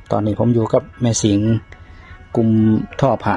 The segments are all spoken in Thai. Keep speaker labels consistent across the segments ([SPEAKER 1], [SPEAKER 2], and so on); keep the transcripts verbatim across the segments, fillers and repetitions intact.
[SPEAKER 1] ตอนนี้ผมอยู่กับแม่สิงกลุ่มท่อผ้า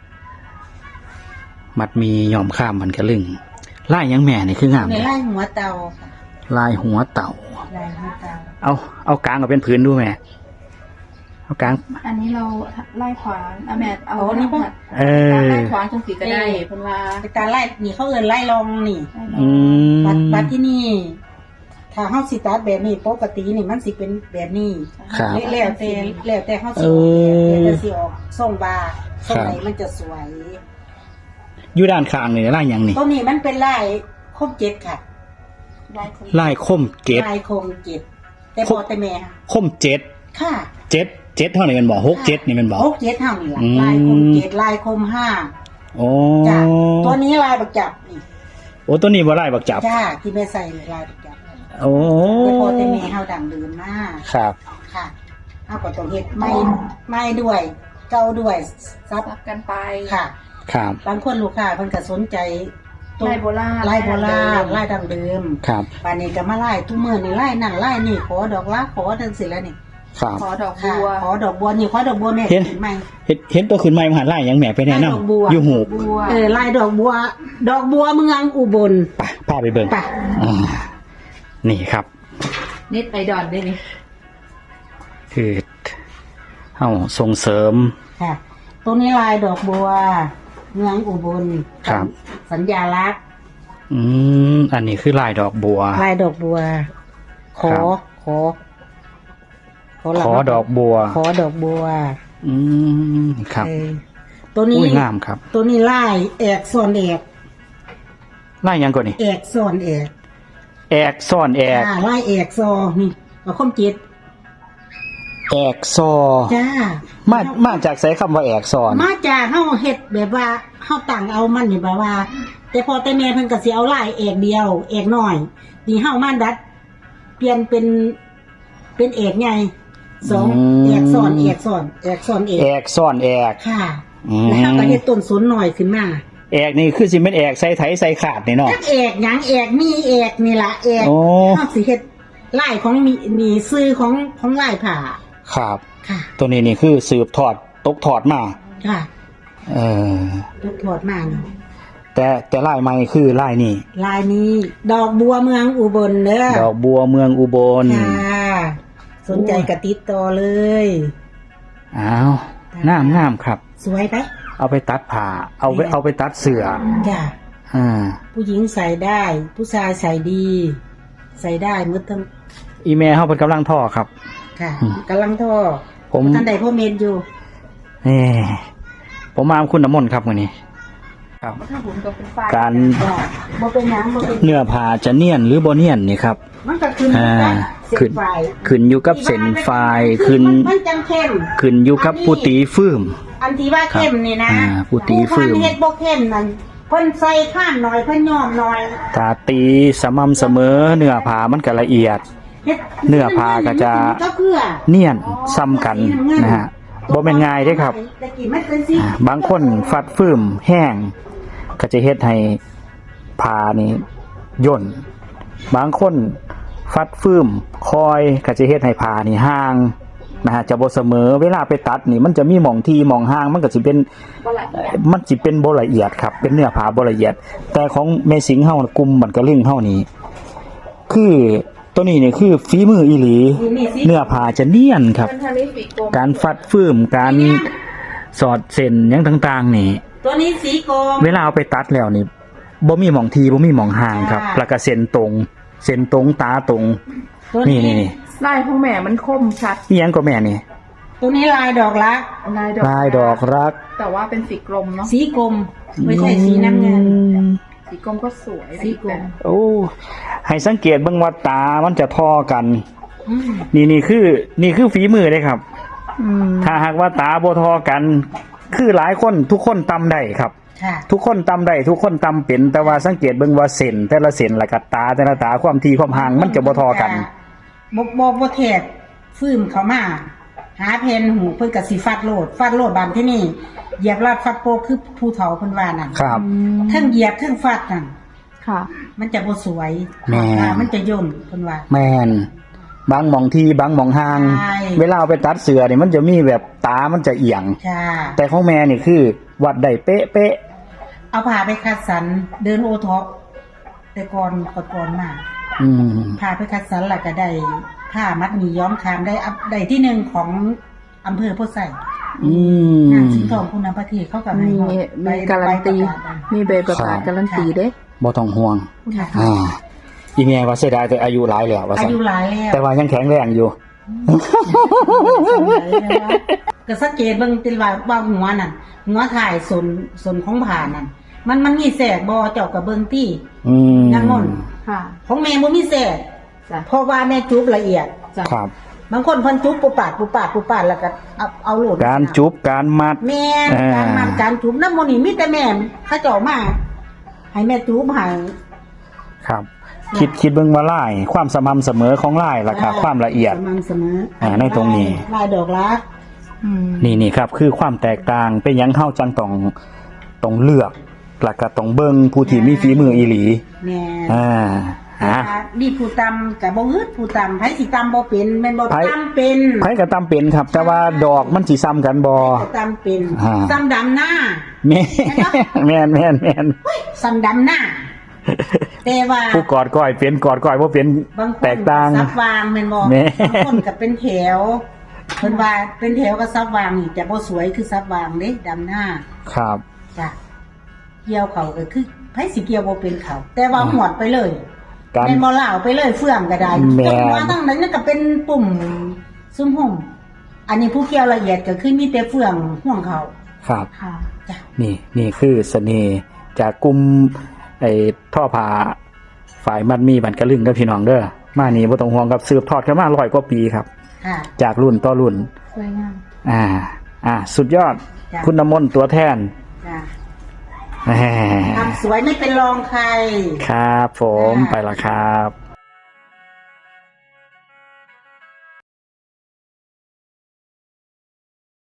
[SPEAKER 1] มัดมีหย่อมข้ามมันกระลึงลายยังแม่นี่คืองาม
[SPEAKER 2] ใน
[SPEAKER 1] เลย
[SPEAKER 2] ไร่หัวเตาค่ะ
[SPEAKER 1] ลายหัวเต่า
[SPEAKER 2] ลายหัวเตา
[SPEAKER 1] เอาเอากลางเอาเป็นพื้นดูแม่เอากลาง
[SPEAKER 3] อันนี้เราไล่ขวางเอาแม่เอา
[SPEAKER 2] โอ้นี่ป่ะ
[SPEAKER 1] เออ
[SPEAKER 3] ไล่ขวางจังสีก็ได้เพิ่นว่า
[SPEAKER 2] เป็นการไล่นี่เขาเอินไล่ลองนี่
[SPEAKER 1] อืม
[SPEAKER 2] บัดบัดที่นี่ ถ้าเฮาสิตัดแบบนี้ปกตินี่มันสิเป็นแบบนี้
[SPEAKER 1] ครับ
[SPEAKER 2] แล้วแต่แล้วแต่เฮาสิ
[SPEAKER 1] เอ
[SPEAKER 2] ออกแบบ
[SPEAKER 1] อ
[SPEAKER 2] แล้วแต่สิออกทรงบาทรงไหน
[SPEAKER 1] ครับ
[SPEAKER 2] มันจะสวย
[SPEAKER 1] อยู่ด้านข้างนี่ลายยังนี่
[SPEAKER 2] ตัวนี้มันเป็นลายคมเจ็ดค่ะ
[SPEAKER 3] ไล่คน
[SPEAKER 1] ลายคมเจ็ด
[SPEAKER 2] ลายคมเจ็ดแต่พอแต่แม่ค่ะ
[SPEAKER 1] คมเจ็ด
[SPEAKER 2] ค่ะ
[SPEAKER 1] เจ็ดเจ็ดเท่าไหร่กันบอกหกเจ็ดนี่มันบอก
[SPEAKER 2] หกเจ็ดเท่านี่ล่ะ
[SPEAKER 1] อืม
[SPEAKER 2] ลายคมเจ็ดลายคมห้า
[SPEAKER 1] โอ้
[SPEAKER 2] จ้ะตัวนี้ลายบักจับนี่
[SPEAKER 1] โอ้ตัวนี้บ่ลายบักจับ
[SPEAKER 2] จ้าที่แม่ใส่ในลายบักจับ
[SPEAKER 1] โอ้
[SPEAKER 2] แต่พอแต่แม่เฮาดังเดิมมาก
[SPEAKER 1] ครับ
[SPEAKER 2] ค่ะเอาก็ต้องเฮ็ดไม่ไม่ด้วย เก่าด้วยซับ
[SPEAKER 3] รับกันไป
[SPEAKER 2] ค่ะ
[SPEAKER 1] ครับ
[SPEAKER 2] บางคนลูกค้าเพิ่นก็สนใจตัว
[SPEAKER 3] ไล่โบราณ
[SPEAKER 2] ไล่โบราณไล่ดังเดิม
[SPEAKER 1] ครับ
[SPEAKER 2] ป่านนี้ก็มาไล่ทุกมื้อนี่ไล่นั่นไล่นี่ขอดอกลักขอจังซี่แล้วนี่
[SPEAKER 1] ครับ
[SPEAKER 3] ขอดอก
[SPEAKER 2] ค่ะ
[SPEAKER 3] บัว
[SPEAKER 2] ขอดอกบัวนี่ขอดอกบัวแม่
[SPEAKER 1] เห็น
[SPEAKER 2] เห็นไหม
[SPEAKER 1] เห็นเห็นตัวขึ้นไม้มหาลายยังแม่ไปแนะ
[SPEAKER 2] ลายดอกบัว
[SPEAKER 1] นำอยู่หู
[SPEAKER 3] บัว
[SPEAKER 2] เออไล่ดอกบัว ดอกบัวเมืองอุบล
[SPEAKER 1] ไปพาไปเบิ่ง
[SPEAKER 2] ไป
[SPEAKER 1] อ่านี่ครับ
[SPEAKER 3] นิดไอดอนได้นี่
[SPEAKER 1] คือเฮาส่งเสริม
[SPEAKER 2] ค่ะตรงนี้ลายดอกบัว เมืองอุบล
[SPEAKER 1] ครับ
[SPEAKER 2] สัญญาลักษณ์
[SPEAKER 1] อืมอันนี้คือลายดอกบัว
[SPEAKER 2] ลายดอกบัว ขอ
[SPEAKER 1] ครับ
[SPEAKER 2] ขอ หลัง
[SPEAKER 1] ขอดอกบัว
[SPEAKER 2] ขอดอกบัว
[SPEAKER 1] อืมครับ
[SPEAKER 2] เออตัวนี้
[SPEAKER 1] อุ้ยงามครับ
[SPEAKER 2] ตัวนี้ลายแอกซ้อนแอก
[SPEAKER 1] ลายยังก่อนนี่
[SPEAKER 2] แอกซ้อนแอก
[SPEAKER 1] แอกซ่อนแอก
[SPEAKER 2] อ่าลายแอกซอนี่เอาคมจิต
[SPEAKER 1] แอกซอ
[SPEAKER 2] จ้า
[SPEAKER 1] มามาจากใช้คำว่าแอกซอน
[SPEAKER 2] มาจากเฮาเฮ็ดแบบว่าเฮาตั้งเอามันนี่แบบว่า แต่พอแต่แม่เพิ่นก็สิเอาลายแอกเดียวแอกน้อยนี่เฮามาดัด เปลี่ยนเป็นเป็นแอกใหญ่สองแอกซ้อนแอกซ้อนแอกซ้อนแอก
[SPEAKER 1] แอกซ่อนแอก
[SPEAKER 2] ค่ะ
[SPEAKER 1] อืม
[SPEAKER 2] แล้วเฮาก็เฮ็ดต้นสนหน่อยขึ้นมา
[SPEAKER 1] แอกนี่คือสิเป็นแอกใส่ไถใส่ขาดนี่เนาะ
[SPEAKER 2] จักแอกหยังแอกมีแอกนี่ล่ะแอก
[SPEAKER 1] โอ้
[SPEAKER 2] เฮาสิเฮ็ดลายของมีมีซื้อของของลายผ้า
[SPEAKER 1] ครับ
[SPEAKER 2] ค่ะ
[SPEAKER 1] ตัวนี้นี่คือสืบทอดตกทอดมา
[SPEAKER 2] ค่ะ
[SPEAKER 1] เออ
[SPEAKER 2] ลูกถอดมานี่
[SPEAKER 1] แต่แต่ลายใหม่คือลายนี่
[SPEAKER 2] ลายนี้ ดอกบัวเมืองอุบลเด้อ
[SPEAKER 1] ดอกบัวเมืองอุบล
[SPEAKER 2] ค่ะสนใจกระติดต่อเลย
[SPEAKER 1] อ้าวงามงามครับ
[SPEAKER 2] สวยไป
[SPEAKER 1] เอาไปตัดผ้าเอาไปเอาไปตัดเสื้อ
[SPEAKER 2] จ้ะ
[SPEAKER 1] อ่า
[SPEAKER 2] ผู้หญิงใส่ได้ ผู้ชายใส่ดี ใส่ได้หมืดทั้ง
[SPEAKER 1] อีเมลเขาเป็นกำลังท่อครับ
[SPEAKER 2] ค่ะ
[SPEAKER 1] อืม
[SPEAKER 2] กำลังท่อ
[SPEAKER 1] ผม
[SPEAKER 2] ท่านใดพ่อเมนอยู่
[SPEAKER 1] นี่ผมมาคุณน้ำมนต์ครับวันนี้ ครับ
[SPEAKER 3] ถ้าผมก็เป็นไฟ
[SPEAKER 1] การ
[SPEAKER 2] จ้ะบ่เป็นหยังบ่เป็น
[SPEAKER 1] เนื้อผ้าจะเนียนหรือบ่เนียนนี่ครับ
[SPEAKER 2] มันก็ขึ้นอยู่
[SPEAKER 1] อ่า
[SPEAKER 2] กับเส้
[SPEAKER 1] ขึ้น
[SPEAKER 2] นไฟ
[SPEAKER 1] ขึ้นอยู่กับเส้นไฟขึ้น
[SPEAKER 2] มันจังเข้ม
[SPEAKER 1] ขึ้นอยู่กับผู้ตีฟืม
[SPEAKER 2] อันที่ว่าเข้มนี่นะ
[SPEAKER 1] อ่าผู้ตีฟืม
[SPEAKER 2] ผู้พันเฮ็ดบ่เข้มนั่นเพิ่นใส่ข้ามหน่อยเพิ่นย่อมหน่อย
[SPEAKER 1] ถ้าตีสม่ำเสมอเนื้อผ้ามันก็ละเอียด
[SPEAKER 2] เฮ็ด
[SPEAKER 1] เนื้อผ้าก็จะ
[SPEAKER 2] ก็เพื่อ
[SPEAKER 1] เนียนซ้ำกันนะฮะบ่แม่นง่ายเด้ครับ
[SPEAKER 2] แต่กี้มันเป็นสิ
[SPEAKER 1] อ่าบางคนฟัดฟืมแห้ง ก็จะเฮ็ดให้ผ้านี่ย่น บางคนฟัดฟืมคอยก็จะเฮ็ดให้ผ้านี่ห่างนะฮะจะบ่เสมอเวลาไปตัดนี่มันจะมีหม่องที่หม่องห่างมันก็สิเป็น
[SPEAKER 3] บ่ละเอียด
[SPEAKER 1] มันสิเป็นบ่ละเอียดครับเป็นเนื้อผ้าบ่ละเอียด แต่ของแม่สิงเฮากลุ่มบันกระลึงเฮานี่คือตัวนี้นี่คือฝีมืออีหลี
[SPEAKER 2] นี่สิ
[SPEAKER 1] เนื้อผ้าจะเนียนครับ
[SPEAKER 3] เป็นทะเลปีกกลม
[SPEAKER 1] การฟัดฟืมการสอดเส้นหยังต่างๆนี่
[SPEAKER 2] ตัวนี้สีกรม
[SPEAKER 1] เวลาเอาไปตัดแล้วนี่บ่มีหม่องทีบ่มีหม่องห่างครับ
[SPEAKER 2] ค่ะ
[SPEAKER 1] แล้วก็เส้นตรงเส้นตรงตาตรง
[SPEAKER 2] ตัว
[SPEAKER 1] นี่นี่นี่
[SPEAKER 3] ลายของแม่มันคมชัด
[SPEAKER 1] อีหยังก็แม่นี่
[SPEAKER 2] ตัวนี้ลายดอกรัก
[SPEAKER 3] ลายดอก
[SPEAKER 1] ลายดอกรัก
[SPEAKER 3] แต่ว่าเป็นสีกลมเนาะ
[SPEAKER 2] สีกรมไม่ใช่สีน้ำเงิน
[SPEAKER 3] สีกลมก็สวย
[SPEAKER 2] สีกลม
[SPEAKER 1] โอ้ให้สังเกตเบิ่งว่าตามันจะทอกัน
[SPEAKER 2] อืม
[SPEAKER 1] นี่นี่คือนี่คือฝีมือเลยครับ
[SPEAKER 3] อืม
[SPEAKER 1] ถ้าหากว่าตาบ่ทอกัน คือหลายคนทุกคนตำได้ครับ
[SPEAKER 2] ค่ะ
[SPEAKER 1] ทุกคนตำได้ทุกคนตำเป็นแต่ว่าสังเกตเบิ่งว่าเส้นแต่ละเส้นและกับตาแต่ละตาความทีความห่างมันจะบ่ทอกัน
[SPEAKER 2] บ่บ่บ่แทกฟืมเขามา หาเพนหูเพิ่นก็สิฟัดโลดฟัดโลดบานที่นี่เหยียบลาดฟัดโปกคือผู้เฒ่าเพิ่นว่านั่น
[SPEAKER 1] ครับ
[SPEAKER 2] ทั้งเหยียบทั้งฟัดนั่น
[SPEAKER 3] ค่ะ
[SPEAKER 2] มันจะบ่สวย
[SPEAKER 1] แม่
[SPEAKER 2] อ่ามันจะย่นเพิ่นว่า
[SPEAKER 1] แมนบางหมองที่บางหมองห่าง
[SPEAKER 2] ใช่
[SPEAKER 1] เวลาเอาไปตัดเสือนี่มันจะมีแบบตามันจะเอียง
[SPEAKER 2] ค่ะ
[SPEAKER 1] แต่ของแม่นี่คือ วัดได้เป๊ะเป๊ะ
[SPEAKER 2] เอาผ้าไปคัดสรรเดินโอท็อปแต่ก่อนก่อนก่อนมา
[SPEAKER 1] อืม
[SPEAKER 2] ผ้าไปคัดสรรแล้วก็ได้ผ้ามัดหมี่ย้อมคามได้อัพได้ที่หนึ่งของอำเภอโพธิ์ไซ
[SPEAKER 1] อืม
[SPEAKER 2] นางสิงห์ทองคุณประเทศเขากับ
[SPEAKER 3] มี
[SPEAKER 2] ใบ
[SPEAKER 3] มีการันตี
[SPEAKER 2] ใบประกาศ
[SPEAKER 3] มีใบประกาศการันตีเด้
[SPEAKER 1] บ่ต้องห่วง
[SPEAKER 2] ค่ะ
[SPEAKER 1] อ่าอีแม่ว่าเสียดายแต่อายุหลายแล้วว่า
[SPEAKER 2] อา
[SPEAKER 1] ซั่น
[SPEAKER 2] ยุหลายแล้ว
[SPEAKER 1] แต่ว่ายังแข็งแรงอยู่
[SPEAKER 2] ก็สังเกตเบิ่งติว่าว่าหัวนั่นหัวถ่ายส่วนส่วนของผ่านั่นมันมันมีแสกบ่เจ้ากับเบิ่งตี้
[SPEAKER 1] อืม
[SPEAKER 2] นางมนต์
[SPEAKER 3] ค่ะ
[SPEAKER 2] ของแม่บ่มีแสก
[SPEAKER 3] จ้ะ
[SPEAKER 2] เพราะว่าแม่จุบละเอียด
[SPEAKER 3] จ้ะ
[SPEAKER 1] ครับ
[SPEAKER 2] บางคนเพิ่นจุบปุปาดปุปาดปุปาดแล้วก็เอาเอาโหลด
[SPEAKER 1] การจุบการมัด
[SPEAKER 2] แม่น
[SPEAKER 1] อ่า
[SPEAKER 2] การมันการจุบน้ำมันต์นี่มีแต่แม่เขาเจ้ามาให้แม่จุบให้
[SPEAKER 1] ครับ คิดคิดเบิ่งว่าลาย ความสม่ำเสมอของลายล่ะครับความละเอียด
[SPEAKER 2] สม่ำเสมอ
[SPEAKER 1] อ่าในตรงนี้
[SPEAKER 2] ลายดอกรัก
[SPEAKER 3] อืม
[SPEAKER 1] นี่นี่ครับ คือความแตกต่างเป็นหยังเข้าจังต้องต้องเลือกแล้วก็ต้องเบิ่งผู้ที่มีฝีมืออีหลี
[SPEAKER 2] แม่
[SPEAKER 1] อ่าฮะ
[SPEAKER 2] ดีผู้ตำกับบ่ฮึดผู้ตำไผสิตำบ่เป็นแม่นบ่
[SPEAKER 1] ไผ
[SPEAKER 2] ตำเป็น
[SPEAKER 1] ไผก็ตามเป็นครับ แต่ว่าดอกมันสิซ้ำกันบ่
[SPEAKER 2] ก็ตำเป็น
[SPEAKER 1] อ่า
[SPEAKER 2] ซ้ำดำหน้า
[SPEAKER 1] แม่แม่นแม่นแม่น
[SPEAKER 2] ซ้ำดำหน้า แต่ว่า
[SPEAKER 1] ผู้กอดก้อยเป็นกอดก้อยบ่เป็น
[SPEAKER 2] บางคน
[SPEAKER 1] แตกต่าง
[SPEAKER 2] ก็ซับวางแม่นบ่
[SPEAKER 1] แม่
[SPEAKER 2] บางคนก็เป็นแถวเพิ่นว่าเป็นแถวก็ซับวางนี่จะบ่สวยคือซับวางเด้ดำหน้า
[SPEAKER 1] ครับ
[SPEAKER 2] จ้ะเกี่ยวเขาก็คือไผสิเกี่ยวบ่เป็นเขา แต่ว่าหวดไปเลย
[SPEAKER 1] การ
[SPEAKER 2] แม่นบ่ลาวไปเลยเฟื่องก็ได้
[SPEAKER 1] แม่น
[SPEAKER 2] จังหวะทั้งนั้นก็เป็นปุ่มซุ่มห่มอันนี้ผู้เกี่ยวละเอียดก็คือมีแต่เฟื่องห่วงเขา
[SPEAKER 1] ครับ
[SPEAKER 3] ค่ะ
[SPEAKER 2] จ้ะ
[SPEAKER 1] นี่นี่คือเสน่ห์จากกลุ่มไอ้ท่อผ้าฝ่ายมัดมีบันกระลึงกับพี่น้องเด้อมานี่บ่ต้องห่วงครับสืบทอดกันมาร้อยกว่าปีครับ
[SPEAKER 2] ค่ะ
[SPEAKER 1] จากรุ่นต่อรุ่น
[SPEAKER 3] สวยงาม
[SPEAKER 1] อ่า อ่า สุดยอด
[SPEAKER 2] จ้ะ
[SPEAKER 1] คุณน้ำมนต์ตัวแทน
[SPEAKER 2] จ้ะ
[SPEAKER 1] แหม
[SPEAKER 2] ทำสวยไม่เป็นรองใคร
[SPEAKER 1] ครับผม
[SPEAKER 2] จ้ะ
[SPEAKER 1] ไปละครับ